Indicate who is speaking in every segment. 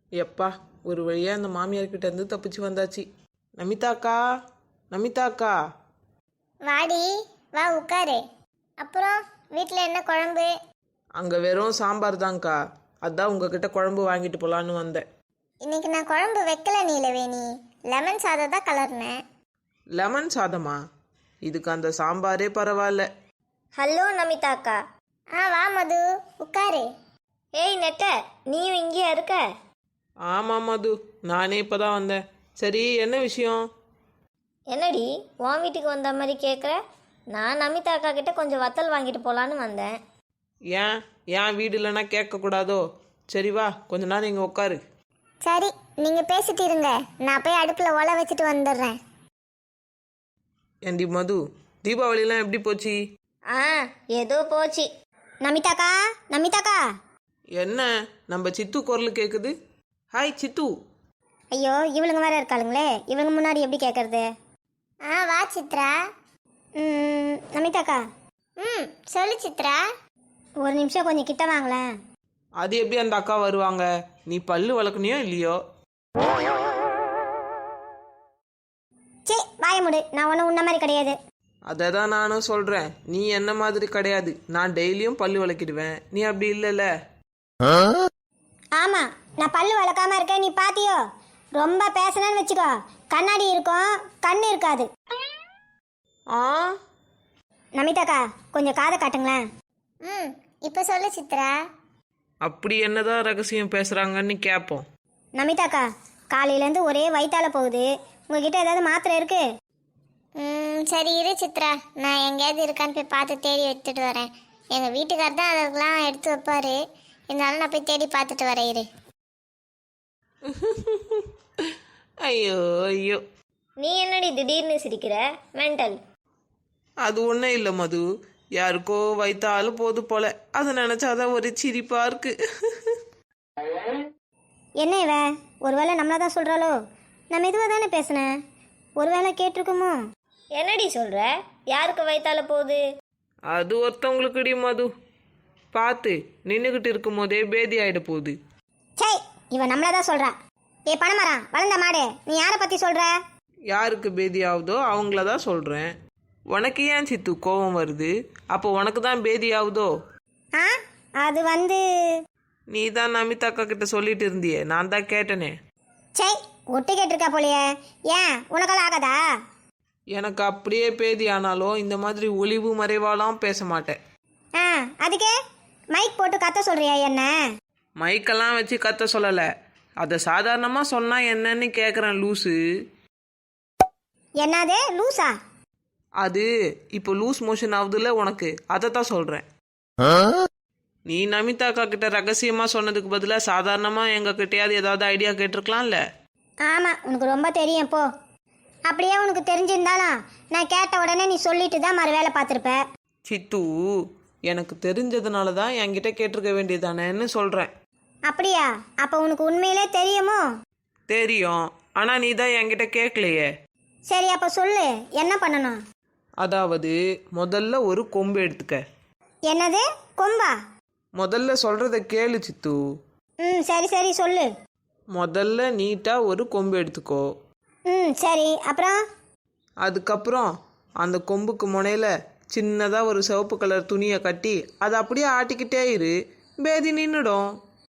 Speaker 1: எப்பா ஒரு வழியாக அந்த மாமியார்கிட்ட இருந்து தப்பிச்சு வந்தாச்சு. நமிதாக்கா, நமிதாக்கா.
Speaker 2: வாடி, வா உட்காரு. அப்புறம் வீட்டில் என்ன குழம்பு?
Speaker 1: அங்கே வெறும் சாம்பார் தான்க்கா. அதான் உங்ககிட்ட குழம்பு வாங்கிட்டு போகலான்னு வந்தேன்.
Speaker 2: இன்னைக்கு நான் குழம்பு வைக்கல நீலவேணி, லெமன் சாதம் தான் கலர்னேன்.
Speaker 1: லெமன் சாதமா? இதுக்கு அந்த சாம்பாரே பரவாயில்ல.
Speaker 3: ஹலோ நமிதாக்கா.
Speaker 2: வா மது, உட்காரு.
Speaker 3: ஏய் நெட்ட, நீயும் இங்கேயா இருக்க?
Speaker 1: ஆமாம் மது, நானே இப்போ தான் வந்தேன். சரி, என்ன விஷயம்?
Speaker 3: என்னடி உன் வீட்டுக்கு வந்த மாதிரி கேட்குற? நான் நமிதாக்கா கிட்ட கொஞ்சம் வத்தல் வாங்கிட்டு போகலான்னு வந்தேன்.
Speaker 1: ஏன் வீடு இல்லைன்னா கேட்கக்கூடாதோ? சரி வா, கொஞ்ச நேரம் இங்கே உட்காரு.
Speaker 2: சரி, நீங்கள் பேசிட்டு இருங்க, நான் போய் அடுப்பில் ஒலை வச்சுட்டு வந்துடுறேன்.
Speaker 1: ஏண்டி மது, தீபாவளிலாம் எப்படி போச்சு?
Speaker 3: ஏதோ போச்சு.
Speaker 2: நமிதாக்கா, நமிதாக்கா.
Speaker 1: என்ன நம்ம சித்து குரல் கேட்குது? ஹாய் சித்து.
Speaker 2: ஐயோ, இவளுங்க வேற இருக்காளுங்களே, இவங்க முன்னாடி எப்படி கேட்கறது? வா சித்ரா. நமிதாக்கா. சொல்லு சித்ரா. ஒரு நிமிஷம் கொஞ்சம் கிட்ட வாங்களேன்.
Speaker 1: அது எப்படி அந்த அக்கா வருவாங்க? நீ பல்லு வளர்க்கணியோ இல்லையோ?
Speaker 2: சே, வாய முடு, நான் ஒன்றும் உன்ன மாதிரி கிடையாது.
Speaker 1: அதை தான் நானும் சொல்கிறேன். நீ என்ன மாதிரி கிடையாது. நான் டெய்லியும் பல்லு வளர்க்கிடுவேன், நீ அப்படி இல்லைல்ல.
Speaker 2: ஆமா, நான் பல்லு வளர்க்காம இருக்கேன், நீ பாத்தியோ? ரொம்ப பேசணும்னு வச்சுக்கோ, கண்ணாடி இருக்கும், கண்ணு இருக்காது.
Speaker 1: ஆ,
Speaker 2: நமிதாக்கா, கொஞ்சம் காதை காட்டுங்களேன். இப்போ சொல்லு சித்ரா.
Speaker 1: அப்படி என்னதான் ரகசியம் பேசுகிறாங்கன்னு கேட்போம்.
Speaker 2: நமிதாக்கா, காலையிலேருந்து ஒரே வயிற்றால போகுது, உங்ககிட்ட ஏதாவது மாத்திரை இருக்கு? சரி இரு சித்ரா, நான் எங்கேயாவது இருக்கான்னு போய் பார்த்து தேடி எடுத்துட்டு வரேன். எங்கள் வீட்டுக்கார் தான் அதெல்லாம் எடுத்து வைப்பாரு, இருந்தாலும் நான் போய் தேடி பார்த்துட்டு வரேன், இரு.
Speaker 1: ஐயோ ஐயோ.
Speaker 3: நீ என்னடி திடீர்னு சிரிக்கிற? மென்டல்.
Speaker 1: அது ஒன்றும் இல்லை மது, யாருக்கோ வைத்தாலும் போது போல, அதை நினச்சாதான் ஒரு சிரிப்பா இருக்கு.
Speaker 2: என்ன இவ, ஒருவேளை நம்மளா தான் சொல்கிறாளோ? நான் மெதுவாக தானே பேசுனேன், ஒருவேளை கேட்டிருக்குமோ?
Speaker 3: என்னடி சொல்ற? யாருக்கு வயித்தால போகுது?
Speaker 1: அது ஒருத்தவங்களுக்கு இடி மது, பார்த்து நின்றுக்கிட்டு இருக்கும் போதே பேதி ஆகிட போகுது.
Speaker 2: சே, இவன் நம்மளா தான் சொல்கிறா. ஏ பணமரம் வளர்ந்த மாடு, நீ யாரை பற்றி சொல்கிற?
Speaker 1: யாருக்கு பேதி ஆகுதோ அவங்கள தான் சொல்கிறேன். உனக்கு ஏன் சித்து கோபம் வருது? அப்போ உனக்கு தான் பேதி ஆகுதோ?
Speaker 2: அது வந்து
Speaker 1: நீ தான் நமிதாக்கா கிட்ட சொல்லிட்டு இருந்தியே, நான் தான் கேட்டனே.
Speaker 2: சே, ஒட்டு கேட்டிருக்கா போலியே. ஏன், உனக்கெல்லாம் ஆகாதா?
Speaker 1: எனக்கு அப்படியே பேதி ஆனாலும் இந்த மாதிரி ஒளிவு மறைவாலாம் பேச மாட்டேன்.
Speaker 2: அதுக்கே மைக் போட்டு கத்த சொல்றியா என்ன?
Speaker 1: மைக்கெல்லாம் வச்சு கத்த சொல்லலை, அதை சாதாரணமாக சொன்னால் என்னன்னு கேட்குறேன் லூஸு.
Speaker 2: என்னது லூசா?
Speaker 1: அது இப்போ லூஸ் மோஷன் ஆகுதுல்ல உனக்கு, அதை தான் சொல்கிறேன். நீ நமிதாக்கா கிட்ட ரகசியமாக சொன்னதுக்கு பதிலாக சாதாரணமாக எங்ககிட்டயாவது ஏதாவது ஐடியா கேட்டிருக்கலாம்ல.
Speaker 2: ஆமாம், உனக்கு ரொம்ப தெரியும் போ. அப்படியே உனக்கு தெரிஞ்சிருந்தாலும் நான் கேட்ட உடனே நீ சொல்லிட்டு தான் மறு வேலை பார்த்துருப்ப.
Speaker 1: சித்து, எனக்கு தெரிஞ்சதுனால தான் என்கிட்ட கேட்டிருக்க வேண்டியதானேன்னு சொல்கிறேன்.
Speaker 2: அப்படியா? அப்போ உனக்கு உண்மையிலே தெரியுமோ?
Speaker 1: தெரியும், ஆனால் நீ தான் என்கிட்ட கேட்கலையே.
Speaker 2: சரி, அப்போ சொல்லு, என்ன பண்ணணும்?
Speaker 1: அதாவது முதல்ல ஒரு கொம்பு எடுத்துக்க.
Speaker 2: என்னது கொம்பா?
Speaker 1: முதல்ல சொல்கிறத கேளு சித்து.
Speaker 2: சரி சரி சொல்லு.
Speaker 1: முதல்ல நீட்டாக ஒரு கொம்பு எடுத்துக்கோ.
Speaker 2: சரி, அப்புறம்?
Speaker 1: அதுக்கப்புறம் அந்த கொம்புக்கு முனையில் சின்னதாக ஒரு சிவப்பு கலர் துணியை கட்டி அதை அப்படியே ஆட்டிக்கிட்டே இரு, பேதி நின்றுடும்.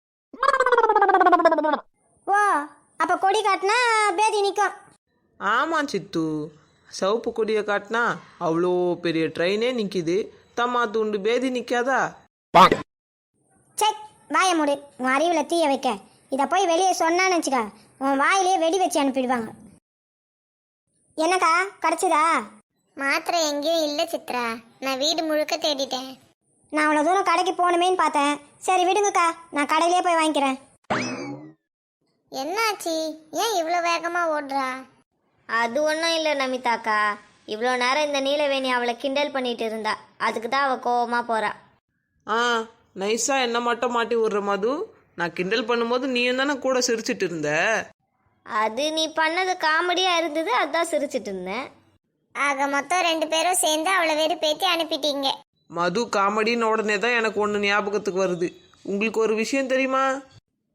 Speaker 2: ஓ, அப்போ கொடி காட்டினா பேதி நிற்கும்?
Speaker 1: ஆமாம் சித்து, சிவப்பு கொடியை காட்டினா அவ்வளோ பெரிய ட்ரெயினே நிற்கிது, தம்மா தூண்டு பேதி நிற்காதா?
Speaker 2: செக், வாயை மூடு, உன் அறிவில் தீய வைக்க. இதை போய் வெளியே சொன்னான்னு வச்சுக்க, உன் வாயிலேயே வெடி வச்சு அனுப்பிடுவாங்க. என்னக்கா, கிடச்சிதா? மாத்திரை எங்கேயும் இல்லை சித்ரா, நான் வீடு முழுக்க தேடிட்டேன். நான் அவ்வளோ தூரம் கடைக்கு போகணுமேன்னு பார்த்தேன். சரி விடுங்கக்கா, நான் கடையிலே போய் வாங்கிக்கிறேன். என்னாச்சு, ஏன் இவ்வளோ வேகமாக ஓடுறா?
Speaker 3: அது ஒன்றும் இல்லை நமிதாக்கா, இவ்வளோ நேரம் இந்த நீலவேணி அவளை கிண்டல் பண்ணிட்டு இருந்தா, அதுக்கு தான் அவள் கோவமாக போகிறா.
Speaker 1: நைஸாக என்ன மட்டும் மாட்டி விடுற மது, நான் கிண்டல் பண்ணும்போது நீயும் தானே கூட சிரிச்சிட்டு இருந்த.
Speaker 3: அது நீ பண்ணது காமெடியாக இருந்தது, அதுதான் சிரிச்சிட்டு இருந்தேன்.
Speaker 2: ஆக மொத்தம் 2 பேரும் சேர்ந்து அவளை வெறுப்பேத்தி அனுப்பிட்டீங்க.
Speaker 1: மது காமெடின்னு உடனே தான் எனக்கு ஒன்று ஞாபகத்துக்கு வருது. உங்களுக்கு ஒரு விஷயம் தெரியுமா?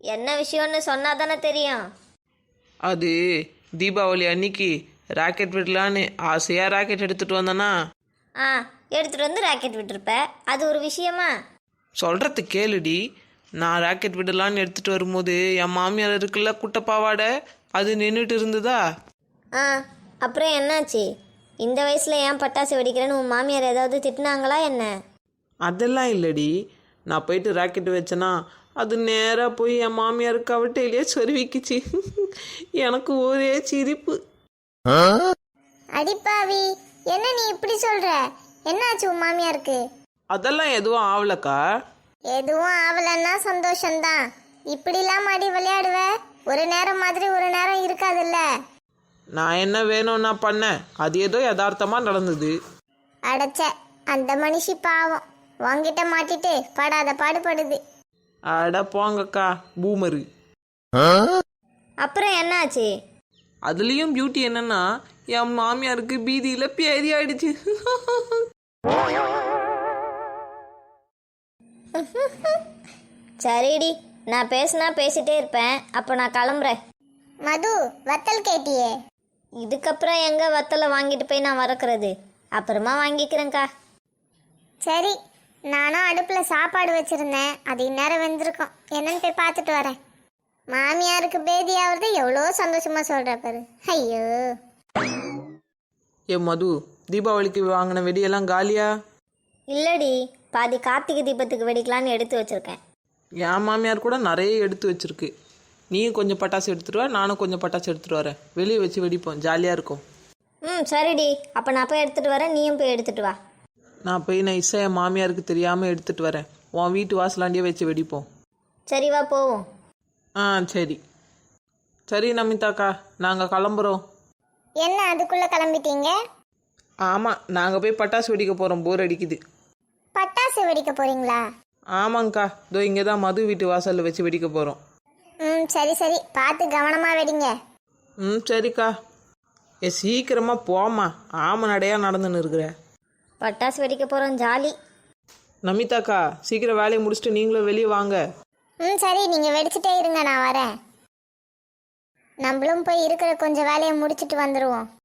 Speaker 3: என்ன விஷயம்னு சொன்னா தானே தெரியும்.
Speaker 1: அது தீபாவளி அன்னைக்கு ராக்கெட் விடலான்னு ஆசையாக ராக்கெட் எடுத்துகிட்டு வந்தேனா.
Speaker 3: ஆ, எடுத்துகிட்டு வந்து ராக்கெட் விட்டுருப்ப, அது ஒரு விஷயமா?
Speaker 1: சொல்கிறது கேளுடி. நான் ராக்கெட் விடலான்னு எடுத்துகிட்டு வரும்போது என் மாமியார் இருக்குல்ல குட்டப்பாவாடை, அது நின்றுட்டு இருந்ததா.
Speaker 3: ஆ, அப்புறம் என்னாச்சு? இந்த வயசில் ஏன் பட்டாசு வெடிக்கிறேன்னு உன் மாமியார் ஏதாவது திட்டினாங்களா என்ன?
Speaker 1: அதெல்லாம் இல்லடி. நான் போயிட்டு ராக்கெட் வச்சேன்னா அது நேராக போய் என் மாமியார் கவட்டையிலேயே சொருவிக்குச்சு. எனக்கு ஒரே சிரிப்பு.
Speaker 2: அடிப்பாவி, என்ன நீ இப்படி சொல்ற? என்னாச்சு உன் மாமியாருக்கு?
Speaker 1: அதெல்லாம் எதுவும் ஆகலக்கா.
Speaker 2: எதுவும் ஆவலன்னா சந்தோஷம்தான். இப்படிலாம் அடி விளையாடுவ? ஒரு நேரம் மாதிரி ஒரு நேரம் இருக்காதுல்ல.
Speaker 1: நான் என்ன வேணும்னா பண்ணேன், அது ஏதோ யதார்த்தமாக நடந்தது.
Speaker 2: அடைச்ச அந்த மனுஷி பாவம் உன்கிட்ட மாட்டிட்டு படாத பாடுபடுது.
Speaker 1: அட போங்கக்கா பூமரு.
Speaker 3: அப்புறம் என்னாச்சு?
Speaker 1: அதுலேயும் பியூட்டி என்னன்னா என் மாமியாருக்கு பீதியில் பேதி ஆயிடுச்சு.
Speaker 3: சரிடி, நான் பேசினா பேசிட்டே இருப்பேன். அப்போ நான் கிளம்புறேன்.
Speaker 2: மது, வத்தல் கேட்டியே?
Speaker 3: இதுக்கப்புறம் எங்கே வத்தலை வாங்கிட்டு போய் நான் வறக்கிறது? அப்புறமா வாங்கிக்கிறேங்க்கா.
Speaker 2: சரி, நானும் அடுப்பில் சாப்பாடு வச்சுருந்தேன், அது இந்நேரம் வெந்திருக்கும். என்னன்னு போய் பார்த்துட்டு வரேன். மாமியாருக்கு பேதி ஆகுறது எவ்வளோ சந்தோஷமாக சொல்கிற பாரு. ஐயோ.
Speaker 1: என் மது, தீபாவளிக்கு வாங்கின வெடியெல்லாம் காலியா?
Speaker 3: இல்லடி, பாதி கார்த்திகை தீபத்துக்கு வெடிக்கலான்னு எடுத்து வச்சுருக்கேன்.
Speaker 1: என் மாமியார் கூட நிறைய எடுத்து வச்சிருக்கு. நீயும் கொஞ்சம் பட்டாசு எடுத்துட்டு வா, நானும் கொஞ்சம் பட்டாசு எடுத்துட்டு வரேன். வெளியே வச்சு வெடிப்போம், ஜாலியாக இருக்கும்.
Speaker 3: ம், சரிடி. அப்போ நான் போய் எடுத்துகிட்டு வரேன், நீயும் போய் எடுத்துகிட்டு வா.
Speaker 1: நான் போய் நைஸாக என் மாமியாருக்கு தெரியாமல் எடுத்துட்டு வரேன். உன் வீட்டு வாசலாண்டியே வச்சு வெடிப்போம்.
Speaker 3: சரி, வா போவோம்.
Speaker 1: ஆ சரி. சரி நமிதாக்கா, நாங்கள் கிளம்புறோம்.
Speaker 2: என்ன அதுக்குள்ளே கிளம்பிட்டீங்க?
Speaker 1: ஆமாம், நாங்கள் போய் பட்டாசு வெடிக்க போகிறோம், போர் அடிக்குது.
Speaker 2: பட்டாசு வெடிக்க போகிறீங்களா?
Speaker 1: ஆமாங்க்கா, இதோ இங்கே தான் மது வீட்டு வாசலில் வச்சு வெடிக்க போகிறோம்.
Speaker 2: ம், சரி சரி, பார்த்து கவனமாக வெடிங்க.
Speaker 1: ம் சரிக்கா. சீக்கிரமாக போம்மா, ஆமாம் நடையாக நடந்துன்னு இருக்கிற.
Speaker 3: பட்டாசு வெடிக்க போகிறோம், ஜாலி.
Speaker 1: நமிதாக்கா, சீக்கிரம் வேலையை முடிச்சுட்டு நீங்களும் வெளியே வாங்க.
Speaker 2: ம், சரி, நீங்கள் வெடிச்சிட்டே இருங்க, நான் வரேன். நம்மளும் போய் இருக்கிற கொஞ்சம் வேலையை முடிச்சிட்டு வந்துடுவோம்.